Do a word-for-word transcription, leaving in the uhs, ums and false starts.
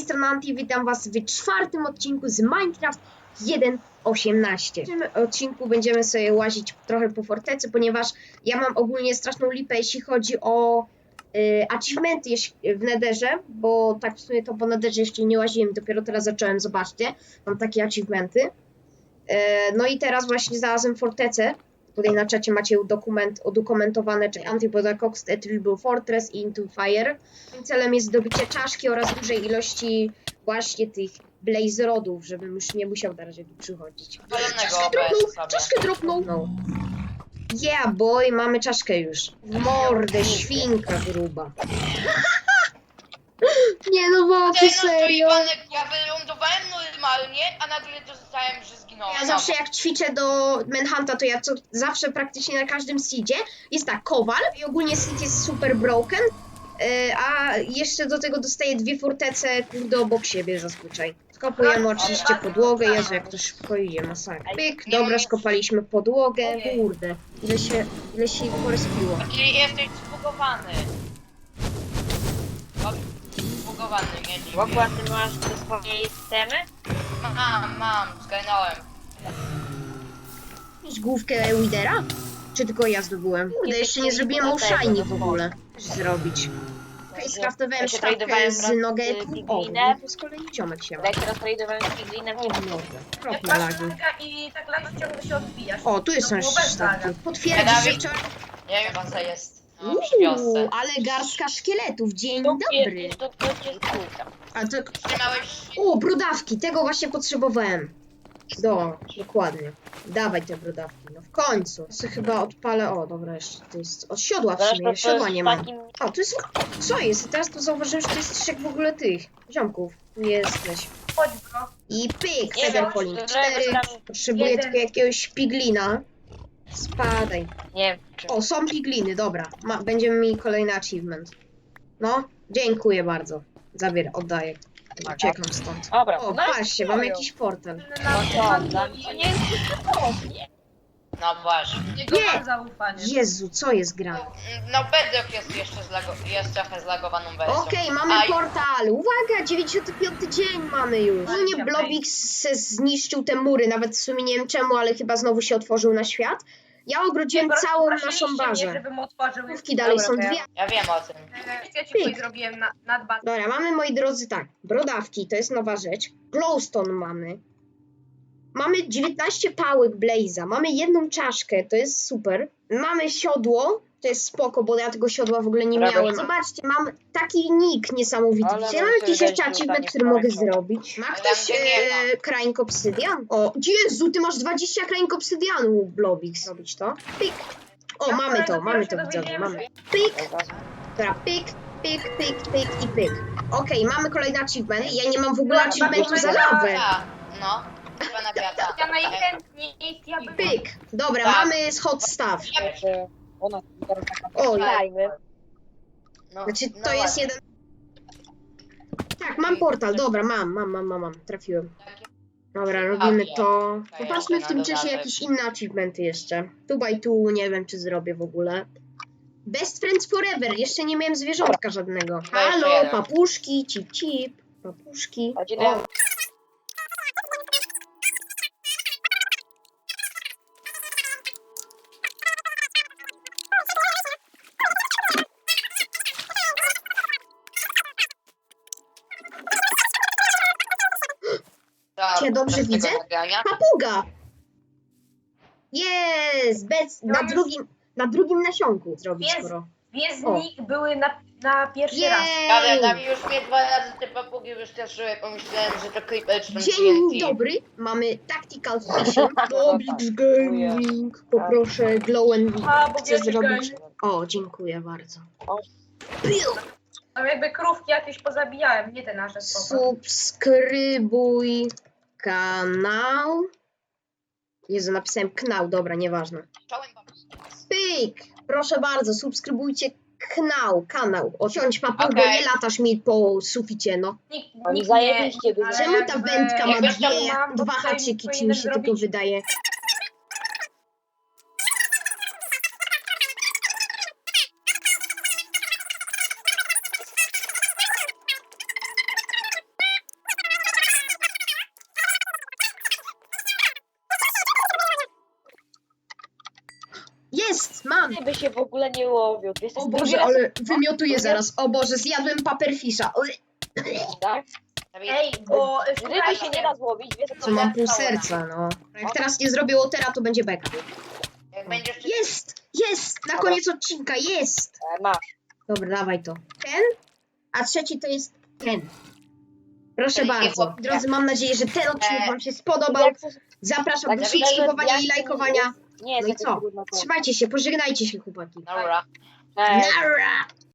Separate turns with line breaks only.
strony Anti, witam was w czwartym odcinku z Minecraft jeden osiemnaście. W tym odcinku będziemy sobie łazić trochę po fortecy, ponieważ ja mam ogólnie straszną lipę, jeśli chodzi o y, achievementy w Netherze, bo tak w sumie to po Netherze jeszcze nie łaziłem, dopiero teraz zacząłem, zobaczcie, mam takie achievementy. Y, no i teraz właśnie znalazłem fortecę. Tutaj na czacie macie dokument, udokumentowane, czyli Antipodacox, Etrible Fortress i Into Fire. Moim celem jest zdobycie czaszki oraz dużej ilości właśnie tych blaze rodów, żebym już nie musiał na razie tu przychodzić. Czaszkę dropnął, czaszkę dropnął. No. Yeah boy, mamy czaszkę już. W mordę, świnka gruba. Nie no bo ty serio?
Ja wylądowałem normalnie, a nagle dostałem, że zginąłem.
Ja zawsze jak ćwiczę do Manhunta, to ja co, zawsze praktycznie na każdym seedzie jest tak, kowal i ogólnie seed jest super broken, yy, a jeszcze do tego dostaję dwie fortece, kurde, obok siebie zazwyczaj. Skopujemy oczywiście podłogę, Jezu, jak to szybko idzie, masakra. Pyk, dobra, skopaliśmy podłogę, kurde, ile się, ile się porespiło.
Czyli jesteś zbugowany. Zbugowany, nie dziś.
Wokła, ty masz te swoje systemy?
Mam, mam, zgarnąłem.
Mieć główkę Widera? Czy tylko ja zdobyłem? Kurde, jeszcze nie zrobiłem all shiny w ogóle. Coś zrobić. Okej, okay, skraftowałem
Ja się
sztabkę
tradowałem
z
raz z
nuggetu. O,
Piglinem.
no to z kolei ziomek się ma.
Jak teraz tradowałem z Piglinem, nie
O,
wiem.
mordę.
Jak
Kropne
masz
lagi.
laga i tak lagi ciągle się odbijasz.
O, tu jest
To
nasz
było bez
sztabki.
laga.
Potwierdzisz, że wczoraj...
Nie wiem, co jest. No, przy wiosce.
Uuu, ale garstka szkieletów. Dzień dobry.
To będzie skórka.
A to...
Trzymałeś...
O, brodawki. Tego właśnie potrzebowałem. Do, dokładnie. Dawaj te brodawki. No w końcu. Ja sobie chyba odpalę... O, dobra, jeszcze to jest... Od siodła w sumie. Siodła nie mam. O, tu jest... Co jest? Teraz to zauważyłem, że to jest trzech w ogóle tych ziomków. Tu jesteś.
Chodź bro.
I pyk,
Nie
Feather
wiem,
Falling
czy
cztery.
tam-
Potrzebuję
jeden.
tylko jakiegoś piglina. Spadaj.
Nie wiem, czy...
O, są pigliny, dobra. Ma, będziemy mieli kolejny achievement. No, dziękuję bardzo. Zabieram, oddaję. Uciekam stąd.
Dobra,
O,
no
patrzcie, mam jakiś portal.
Na
No to, dla mnie to nie jest nie.
No właśnie.
Jego
Nie.
mam zaufanie.
Jezu, co jest grane?
No, Bedrock jest jeszcze zlago... jest trochę zlagowaną wersją.
Okej, mamy
A,
portal. Uwaga, dziewięćdziesiąty piąty dzień mamy już. Ogólnie Blobix se zniszczył te mury, nawet w sumie nie wiem czemu, ale chyba znowu się otworzył na świat. Ja ogrodziłem
Nie,
całą
prosiliście
naszą
mnie,
bazę.
żebym otworzył.
Główki dalej
Dobra,
są
to ja-
dwie.
Ja wiem o tym.
E, Ja ci
Pyk.
coś zrobiłem na, nad bazą.
Dobra, mamy, moi drodzy, tak, brodawki, to jest nowa rzecz. Glowstone mamy. Mamy dziewiętnaście pałek Blaze'a, mamy jedną czaszkę, to jest super. Mamy siodło, to jest spoko, bo ja tego siodła w ogóle nie
Dobra,
miałem.
co?
Zobaczcie, mam taki nick niesamowity.
Ale
Widzicie, mam
mam
jakiś
sobie
jeszcze
dać
achievement,
rzucanie
który mogę
pomarańczowe.
zrobić. Ma
Ale
ktoś
tam, gdzie nie ma.
e, kraink obsydian? O, Jezu, ty masz dwadzieścia kraink obsydianu, Blobix. Robić to? Pik. O,
Ja
mamy to,
wczoraj
mamy to,
dopiero się
widzowie,
dowiedziałem,
mamy. Pik. Dobra, pyk, pyk, pyk, pyk i pyk. Okej, mamy kolejny achievement. Ja nie mam w ogóle
Dobra,
achievementu za
dobra.
lawę.
Ja, no. Chyba na wiata.
Ja najchętniej, ja bym...
Pyk. Dobra,
Tak.
mamy hot stuff.
Że ona teraz taka...
O,
Dajmy.
No,
znaczy
no
to jest
właśnie.
jeden... Tak, mam portal, dobra, mam, mam, mam, mam, mam. Trafiłem. Dobra, robimy to. Popatrzmy w tym czasie jakieś inne achievementy jeszcze. Two by two, nie wiem czy zrobię w ogóle. Best Friends Forever, jeszcze nie miałem zwierzątka żadnego. Halo,
jeden.
papuszki, cip cip, papuszki.
Godzinę.
O,
Tak,
Cię dobrze
bez tego
widzę?
nagrania.
papuga! Jest! Bez, na
No już-
drugim, na drugim nasionku zrobić
Jest.
skoro.
Wiezdnik były na, na pierwszy raz.
Ale
Jej!
tam już mnie dwa razy te papugi wystraszyły, pomyślałem, że to creeper czy tam
Dzień
T N T.
dobry, mamy Tactical Fishing, Blobix Gaming, poproszę Glow and
A, bo
chcę
wiesz,
zrobić...
że-
O, dziękuję bardzo.
O.
Piu!
Tam jakby krówki jakieś pozabijałem, nie te nasze słowa.
Subskrybuj kanał. Jezu, napisałem knał, dobra, nieważne.
Czołem papugi.
Pyk! Proszę bardzo, subskrybujcie kanał, kanał. Osiądź papugę,
Okej.
nie latasz mi po suficie, no.
Nikt,
Oni
nikt
zajebiście
nie,
by-
ale
Czemu ta
jakby-
wędka ma
jakby
dwie,
to mam, to
dwa
tutaj
haczyki, czy mi
powinienem
się tylko
zrobić-
wydaje? Jest! Mam!
Ty by się w ogóle nie łowił. Ty jesteś
O
drugi
Boże,
raz,
ale wymiotuję zaraz. O Boże, zjadłem paperfisha. Oj,
tak?
Ej, bo y,
Ryby się nie
słuchajcie,
da złowić, wiesz
co mam pół serca, no. Jak teraz nie zrobię Watera, to będzie beka.
Jak będziesz...
Jest! Jest! Na koniec odcinka, jest!
E, masz.
Dobra, dawaj to. Ten, a trzeci to jest ten. Proszę
Czyli
bardzo.
chłopie.
Drodzy, mam nadzieję, że ten odcinek wam się spodobał.
Jak chcesz-
Zapraszam
tak,
do
że-
subskrybowania
jak
i
to
lajkowania.
Nie jest
No i
jakieś
co?
trudne to.
Trzymajcie się, pożegnajcie się, chłopaki.
Dobra.
Cześć.
Nara!